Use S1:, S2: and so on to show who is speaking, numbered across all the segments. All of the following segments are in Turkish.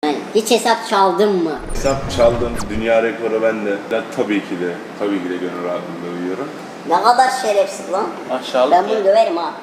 S1: Yani hiç hesap çaldın mı?
S2: Hesap çaldım, dünya rekoru bende. Ben tabii ki de gönül rahatlığında uyuyorum.
S1: Ne kadar şerefsiz lan.
S3: Aşağılık
S1: Ben bunu döverim ha.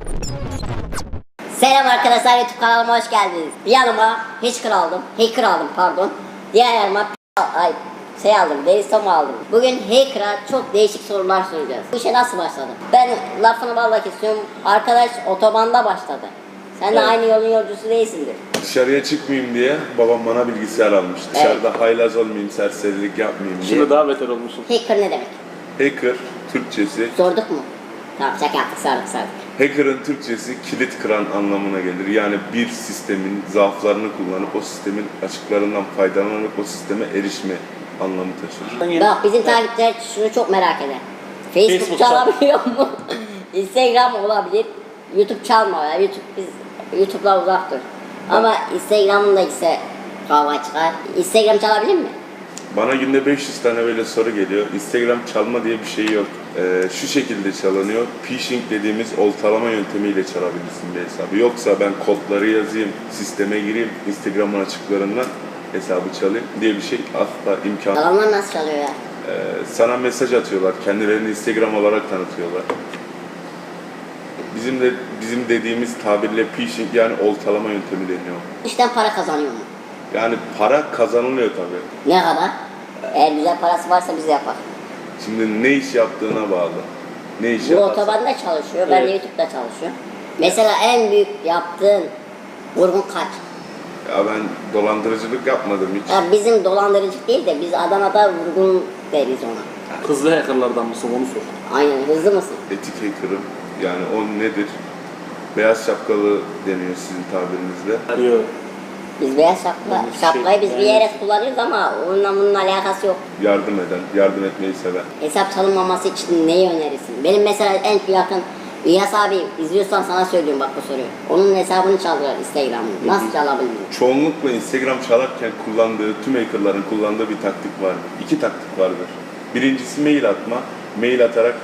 S1: Selam arkadaşlar, YouTube kanalıma hoş geldiniz. Yanıma hacker aldım pardon. Diğer yanıma Deristom aldım. Bugün hacker'a çok değişik sorular soracağız. Bu işe nasıl başladı? Ben lafını bağlamak istiyorum. Arkadaş otobanda başladı. Sen de
S3: Evet.
S1: aynı yolun yolcusu değilsindir.
S2: Dışarıya çıkmayayım diye babam bana bilgisayar almış. Dışarıda haylaz olmayayım, serserilik yapmayayım diye.
S3: Şimdi daha beter olmuşsun.
S1: Hacker ne demek?
S2: Hacker, Türkçesi.
S1: Sorduk mu? Tamam, şaka yaptık, sardık.
S2: Hacker'ın Türkçesi kilit kıran anlamına gelir. Yani bir sistemin zaaflarını kullanıp o sistemin açıklarından faydalanıp o sisteme erişme anlamı taşır.
S1: Bak bizim takipçiler şunu çok merak eder. Facebook çalabiliyor mu? Instagram olabilir. YouTube çalma ya. YouTube'la uzak dur. Ama Instagram'ın da ise kavga çıkar. Instagram çalabilir mi?
S2: Bana günde 500 tane böyle soru geliyor. Instagram çalma diye bir şey yok. Şu şekilde çalınıyor. Phishing dediğimiz oltalama yöntemiyle çalabilirsin bir hesabı. Yoksa ben kodları yazayım, sisteme gireyim, Instagram'ın açıklarından hesabı çalayım diye bir şey asla imkan.
S1: Adamlar nasıl çalıyor ya?
S2: Sana mesaj atıyorlar, kendilerini Instagram olarak tanıtıyorlar. Bizim dediğimiz tabirle phishing yani oltalama yöntemi deniyor.
S1: İşten para kazanıyor mu?
S2: Yani para kazanılıyor tabii.
S1: Ne kadar? Eğer güzel parası varsa biz yapar.
S2: Şimdi ne iş yaptığına bağlı. Ne iş
S1: Bu
S2: yaparsan.
S1: otobanda çalışıyor, ben de
S3: Evet.
S1: YouTube'da çalışıyorum. Mesela en büyük yaptığın vurgun kaç?
S2: Ya ben dolandırıcılık yapmadım hiç.
S1: Ya bizim dolandırıcılık değil de biz Adana'da vurgun deriz ona.
S3: Hızlı hackerlardan mısın onu sor.
S1: Aynen, hızlı mısın?
S2: Etik hacker'ım. Yani o nedir? Beyaz şapkalı deniyor sizin tabirinizle.
S3: Arıyor.
S1: Biz beyaz
S3: Yani
S1: şapkayı biz bir
S3: yani-
S1: yere kullanıyoruz ama onunla bunun alakası yok.
S2: Yardım eden, yardım etmeyi seven.
S1: Hesap çalınmaması için neyi önerirsin? Benim mesela en yakın İlyas abi izliyorsan sana söylüyorum bak bu soruyu. Onun hesabını çaldılar Instagram'ını. Nasıl çalabildin?
S2: Çoğunlukla Instagram çalarken kullandığı, tüm hackerların kullandığı bir taktik var. İki taktik vardır. Birincisi mail atma. Mail atarak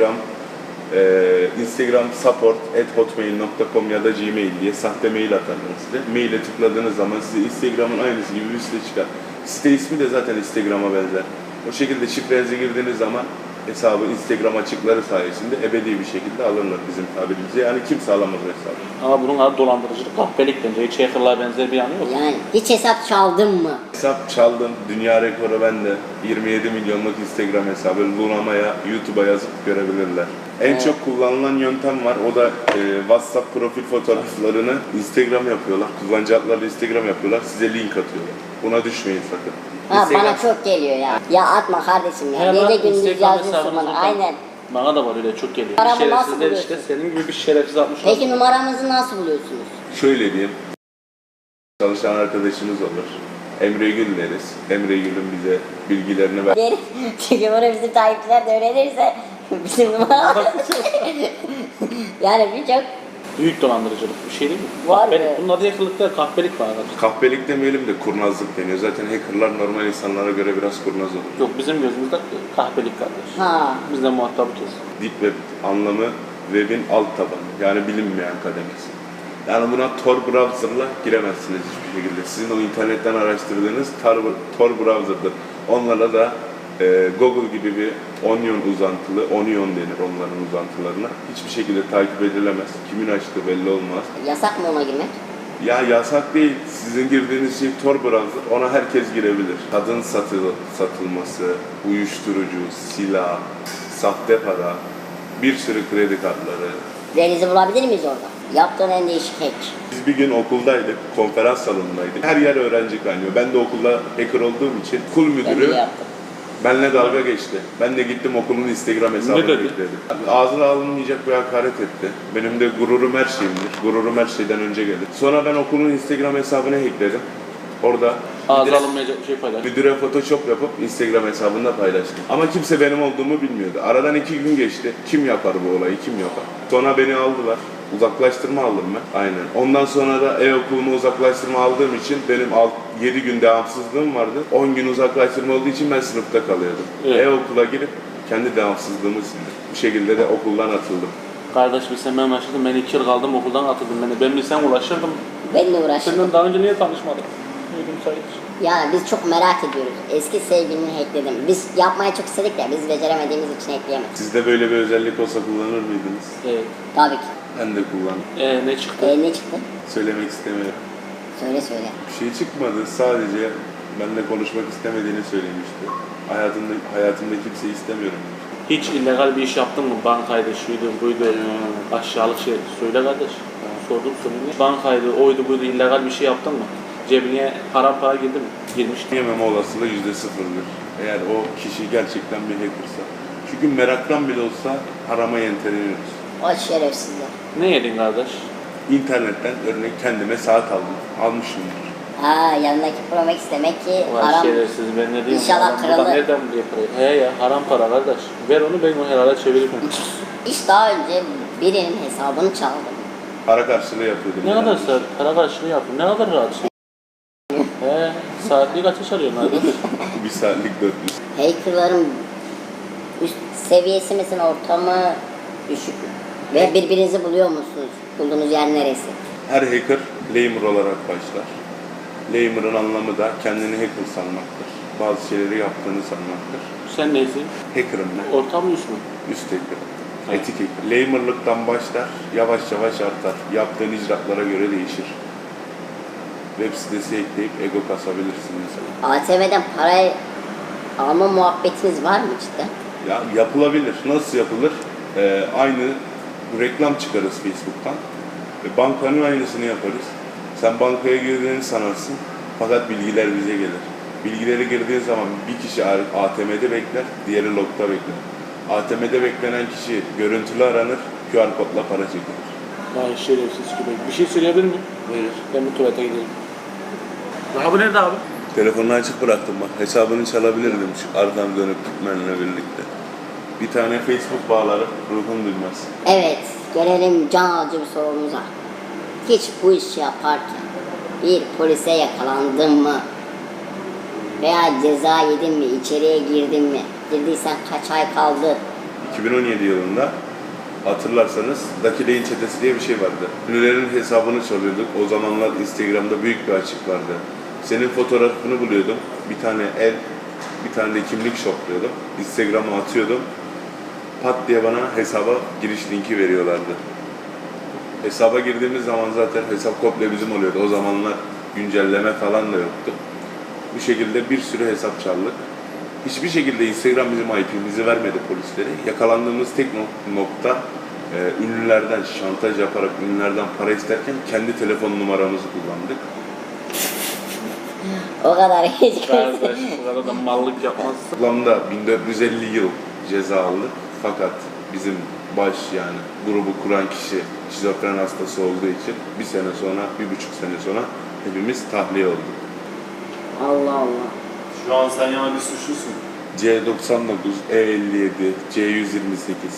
S2: Instagram support@hotmail.com ya da Gmail diye sahte mail atarlar size. Maile tıkladığınız zaman size Instagram'ın aynısı gibi bir site çıkar. Site ismi de zaten Instagram'a benzer. O şekilde şifrenizi girdiğiniz zaman hesabı Instagram açıkları sayesinde ebedi bir şekilde alırlar bizim tabirimizde. Yani kimse alamaz o hesabı.
S3: Ama bunun adı dolandırıcılık, kahpelik bence. Hiç hackerlığa benzer bir yanı yok.
S1: Yani hiç hesap çaldın mı?
S2: Hesap çaldım, dünya rekoru bende. 27 milyonluk Instagram hesabı Lunama'ya, YouTube'a yazıp görebilirler. En çok kullanılan yöntem var, o da WhatsApp profil fotoğraflarını Instagram yapıyorlar. Kullanıcı adlarıyla Instagram yapıyorlar, size link atıyorlar. Buna düşmeyin sakın.
S1: Ha, bana çok geliyor ya. Ya atma kardeşim ya.
S3: Hemen
S1: Gece gündüz
S3: Instagram
S1: yazıyorsun
S3: hesabını
S1: bana.
S3: zaten-
S1: Aynen.
S3: Bana da var öyle çok geliyor.
S1: Paramı nasıl
S3: Şerefsizler
S1: buluyorsun?
S3: işte senin gibi bir şerefsiz atmış.
S1: Peki numaramızı nasıl buluyorsunuz?
S2: Şöyle diyeyim, çalışan arkadaşınız olur. Emre Gül deriz. Emre Gül'ün bize bilgilerini ver.
S1: Geri, çünkü bunu bizim takipçiler de öğrenirse bizim numaramız. Yani birçok
S3: Büyük dolandırıcılık bir şey değil mi?
S1: Var
S3: Kahpelik.
S1: be.
S3: Bunun adı hackerlık değil, kahpelik var.
S2: Kahpelik demeyelim de kurnazlık deniyor. Zaten hackerlar normal insanlara göre biraz kurnaz olur.
S3: Yok bizim gözümüzde kahpelik kardeş.
S1: ha.
S3: Bizde muhatabı kes.
S2: Deep Web anlamı web'in alt tabanı. Yani bilinmeyen kademesi. Yani buna Tor browser'la giremezsiniz hiçbir şekilde. Sizin o internetten araştırdığınız Tor browser'dır. Onlarla da Google gibi bir Onion denir onların uzantılarına. Hiçbir şekilde takip edilemez. Kimin açtığı belli olmaz.
S1: Yasak mı ona girmek?
S2: Ya yasak değil. Sizin girdiğiniz şey Tor browser. Ona herkes girebilir. Kadın satılması, uyuşturucu, silah, sahte para, bir sürü kredi kartları.
S1: Deniz'i bulabilir miyiz orada? Yaptığın en değişik hack.
S2: Biz bir gün okuldaydık, konferans salonundaydık. Her yer öğrenci kaynıyor. Ben de okulda hacker olduğum için okul
S1: Ben
S2: müdürü
S1: de yaptım.
S2: benimle dalga geçti. Ben de gittim okulun Instagram hesabını
S3: Ne dedi?
S2: ekledim. Ağzına alınmayacak bir hakaret etti. Benim de gururum her şeyimdir. Gururum her şeyden önce gelir. Sonra ben okulun Instagram hesabını hackledim. Orada
S3: Ağza alınmayacak bir şey paylaş.
S2: müdüre Photoshop yapıp Instagram hesabında paylaştım. Ama kimse benim olduğumu bilmiyordu. Aradan 2 gün geçti. Kim yapar bu olayı, kim yapar? Sonra beni aldılar. Uzaklaştırma aldım ben. Aynen. Ondan sonra da e-okuluma uzaklaştırma aldığım için benim 7 gün devamsızlığım vardı. 10 gün uzaklaştırma olduğu için ben sınıfta kalıyordum.
S3: Evet.
S2: E-okula girip kendi devamsızlığımı sildim. Bu şekilde de okuldan atıldım.
S3: Kardeş bilsem ben ulaşırdım. Ben 2 yıl kaldım okuldan atıldım beni. Ben bilsem ulaşırdım.
S1: Benimle uğraşın.
S3: Senden daha önce niye tanışmadık? İyi gün sayılır.
S1: Yani biz çok merak ediyoruz. Eski sevgilini hackledim. Biz yapmaya çok istedik de biz beceremediğimiz için hackleyemedik.
S2: Sizde böyle bir özellik olsa kullanır mıydınız?
S3: Evet.
S1: Tabii ki.
S2: Ben de kullandım.
S3: Ne çıktı?
S1: Ne çıktı?
S2: Söylemek istemiyorum.
S1: Söyle.
S2: Bir şey çıkmadı. Sadece benimle konuşmak istemediğini söylemişti. Hayatımda kimseyi istemiyorum demişti.
S3: Hiç illegal bir iş yaptın mı? Bankaydı, şuydu, buydu, aşağılık şey. Söyle kardeş. Sordum soruyu. Bankaydı, oydu, buydu, illegal bir şey yaptın mı? Cebine haram para girdi mi? Girmişti.
S2: Yememe olasılığı %0'dır. Eğer o kişi gerçekten bir hackersa. Çünkü meraktan bile olsa harama yenteleniyoruz.
S1: O şerefsizler.
S3: Ne yedin kardeş?
S2: İnternetten örnek kendime saat aldım. Almışımdır.
S1: Yanındaki Pro Max demek ki
S3: Vay
S1: haram.
S3: şerefsiz, ben ne diyeyim?
S1: İnşallah
S3: Adam
S1: kralı.
S3: buradan nereden buluyor parayı? He ya, haram para kardeş. Ver onu, ben o helale çevireyim.
S1: Hiç daha önce birinin hesabını çaldım.
S2: Para karşılığı yapıyordum.
S3: Ne kadar saat, para karşılığı yaptın, ne kadar rahat şey. He, saatlik kaça çalıyorsun kardeş?
S2: Bir saatlik 400.
S1: Hackerların üst seviyesi misin, orta mı, düşük mü? Ve birbirinizi buluyor musunuz? Bulduğunuz yer neresi?
S2: Her hacker lamer olarak başlar. Lamer'ın anlamı da kendini hacker sanmaktır. Bazı şeyleri yaptığını sanmaktır.
S3: Sen neysin?
S2: Hacker'ım ben.
S3: Orta mı üst mü?
S2: Üst hacker'ım.
S3: Evet.
S2: Etik hacker. Lamer'lıktan başlar, yavaş yavaş artar. Yaptığın icraatlara göre değişir. Web sitesi ekleyip ego kasabilirsin mesela.
S1: ATM'den parayı alma muhabbetiniz var mı cidden?
S2: Ya yapılabilir. Nasıl yapılır? Aynı reklam çıkarız Facebook'tan. Bankanın aynısını yaparız. Sen bankaya girdiğini sanarsın. Fakat bilgiler bize gelir. Bilgileri girdiğin zaman bir kişi ATM'de bekler, diğeri log'da bekler. ATM'de beklenen kişi görüntülü aranır, QR kodla para çekilir.
S3: Vay şerefsiz gibi. Bir şey söyleyebilir miyim?
S2: Buyur.
S3: Ben bu tuvalete gidelim. Daha bu nerede abi?
S2: Telefonunu açık bıraktım bak. Hesabını çalabilirdim şu arkadan dönüp gitmenle birlikte. Bir tane Facebook bağlarım, ruhun duymaz.
S1: Evet, gelelim can alıcı bir sorumuza. Hiç bu işi yaparken bir polise yakalandın mı? Veya ceza yedin mi? İçeriye girdin mi? Girdiysen kaç ay kaldı?
S2: 2017 yılında hatırlarsanız Dakileyin çetesi diye bir şey vardı. Ünlülerin hesabını çalıyorduk. O zamanlar Instagram'da büyük bir açık vardı. Senin fotoğrafını buluyordum. Bir tane el, bir tane de kimlik şokluyordum. Instagram'a atıyordum. Pat diye bana hesaba giriş linki veriyorlardı. Hesaba girdiğimiz zaman zaten hesap komple bizim oluyordu. O zamanlar güncelleme falan da yoktu. Bu şekilde bir sürü hesap çaldık. Hiçbir şekilde Instagram bizim IP'mizi vermedi polislere. Yakalandığımız tek nokta ünlülerden şantaj yaparak ünlülerden para isterken kendi telefon numaramızı kullandık.
S1: O kadar hiç
S3: Kardeş bu kadar da mallık yapmazsın.
S2: Toplamda 1450 yıl ceza aldık. Fakat bizim baş yani grubu kuran kişi şizofren hastası olduğu için bir sene sonra, 1,5 sene sonra hepimiz tahliye olduk.
S1: Allah Allah.
S4: Şu an sen yani bir suçlusun.
S2: C99, E57, C128,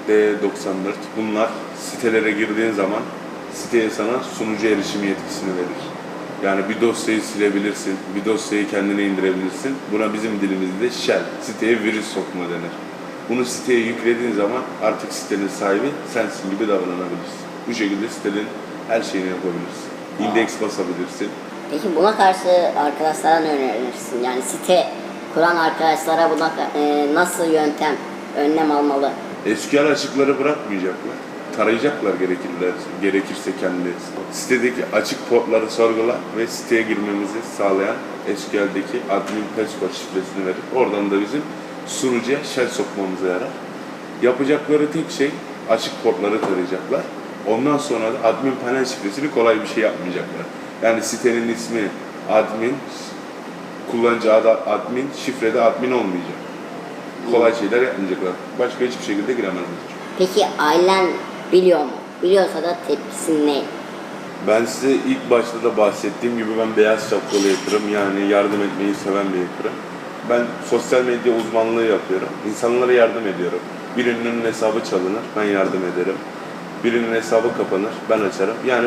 S2: D94 bunlar sitelere girdiğin zaman siteye sana sunucu erişimi yetkisini verir. Yani bir dosyayı silebilirsin, bir dosyayı kendine indirebilirsin. Buna bizim dilimizde shell, siteye virüs sokma denir. Bunu siteye yüklediğin zaman artık sitenin sahibi sensin gibi davranabilirsin. Bu şekilde sitenin her şeyini yapabilirsin. İndeks basabilirsin.
S1: Peki buna karşı arkadaşlara ne önerirsin? Yani site kuran arkadaşlara buna nasıl önlem almalı?
S2: SQL açıkları bırakmayacaklar. Tarayacaklar gerekirse kendileri. Sitedeki açık portları sorgula ve siteye girmemizi sağlayan SQL'deki admin password şifresini verir. Oradan da bizim sunucuya shell sokmamıza yarar. Yapacakları tek şey açık portları tarayacaklar. Ondan sonra da admin panel şifresini kolay bir şey yapmayacaklar. Yani sitenin ismi admin, kullanıcı adı admin, şifrede admin olmayacak. Kolay şeyler yapmayacaklar. Başka hiçbir şekilde giremezler.
S1: Peki ailen biliyor mu? Biliyorsa da tepkisi ne?
S2: Ben size ilk başta da bahsettiğim gibi ben beyaz şapkalı hacker'ım. Yani yardım etmeyi seven bir hacker'ım. Ben sosyal medya uzmanlığı yapıyorum. İnsanlara yardım ediyorum. Birinin hesabı çalınır, ben yardım ederim. Birinin hesabı kapanır, ben açarım. Yani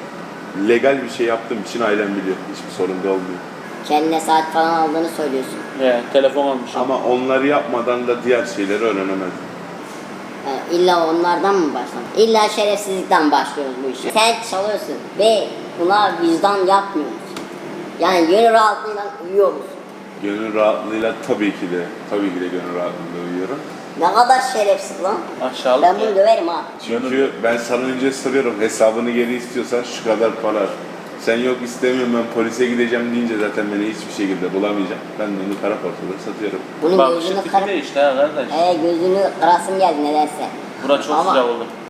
S2: bu legal bir şey yaptığım için ailem biliyor. Hiçbir sorun da olmuyor.
S1: Kendine saat falan aldığını söylüyorsun.
S3: Telefon almış.
S2: Ama onları yapmadan da diğer şeyleri öğrenemezdim.
S1: Yani illa onlardan mı başlamak? İlla şerefsizlikten başlıyoruz bu işe. Sen çalıyorsun ve buna vicdan yapmıyor musun? Yani gönül rahatlığıyla uyuyor musun?
S2: Gönül rahatlığıyla tabii ki de gönül rahatlığıyla uyuyorum.
S1: Ne kadar şerefsiz lan.
S3: Aşağılık
S1: Ben
S3: ya.
S1: bunu döverim ha.
S2: Çünkü ben sana önce soruyorum, hesabını geri istiyorsan şu kadar para. Sen yok istemiyorum, ben polise gideceğim deyince zaten beni hiçbir şekilde bulamayacak. Ben de onu kara portada satıyorum.
S1: Bunun
S3: Bak
S1: gözünü
S3: şimdi
S1: kırıp...
S3: değişti ha kardeş.
S1: Gözünü kırasım geldi nedense.
S3: Bura çok
S1: Ama
S3: sıcak oldu.